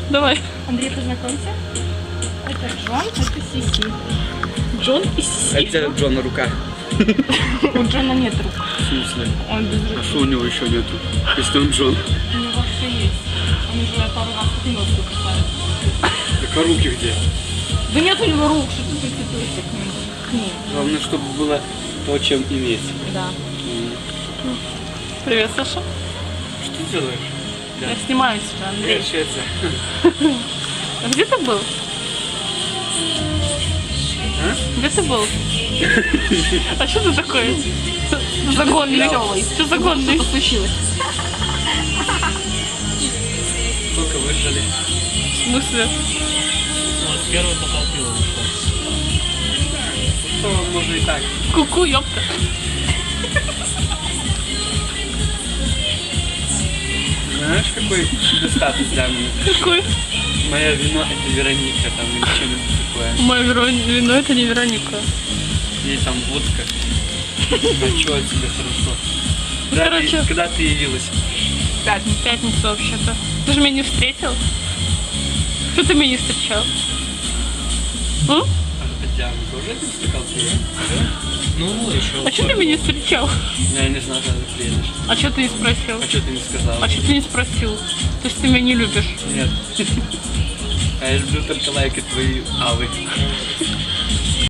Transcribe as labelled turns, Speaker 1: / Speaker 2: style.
Speaker 1: Давай.
Speaker 2: Андрей, познакомься. Это Джон, это Сиси.
Speaker 1: Джон и Сиси.
Speaker 3: Это Джона рука.
Speaker 2: У Джона нет рук.
Speaker 3: В смысле?
Speaker 2: Он без рук.
Speaker 3: А что у него еще нету? Если он Джон.
Speaker 2: У него все есть. Он уже пару раз носку касается.
Speaker 3: Так а руки где?
Speaker 2: Да нет у него рук, что ты прикидываешься к ним.
Speaker 3: Главное, чтобы было то, чем иметь.
Speaker 2: Да.
Speaker 1: Привет, Саша.
Speaker 3: Что ты делаешь?
Speaker 1: Я снимаю тебя, Андрей.
Speaker 3: Швеция.
Speaker 1: А где ты был?
Speaker 3: А?
Speaker 1: Где ты был? А что ты такой? Загонный. Что загонный?
Speaker 2: Что случилось?
Speaker 3: Сколько выжили?
Speaker 1: В смысле?
Speaker 4: Первый бокал пива вышел.
Speaker 3: Что можно и так.
Speaker 1: Ку-ку, ёпта.
Speaker 3: Знаешь, какой достаток для меня?
Speaker 1: Какой?
Speaker 3: Мое вино это Вероника, там или что-нибудь такое.
Speaker 1: Мое вино это не Вероника.
Speaker 3: Или там водка. А что от тебя хорошо?
Speaker 1: Ну, короче.
Speaker 3: Когда ты явилась?
Speaker 1: В пятницу вообще-то. Ты же меня не встретил? Что ты меня не встречал?
Speaker 3: А Диана тоже этим стакан пива?
Speaker 4: Ну, еще.
Speaker 1: А что ты меня не встречал?
Speaker 3: Я не знаю, когда ты приедешь.
Speaker 1: А что ты не спросил?
Speaker 3: А что ты не сказала?
Speaker 1: А что ты не спросил? То есть ты меня не любишь?
Speaker 3: Нет. А я люблю только лайкать твои авы.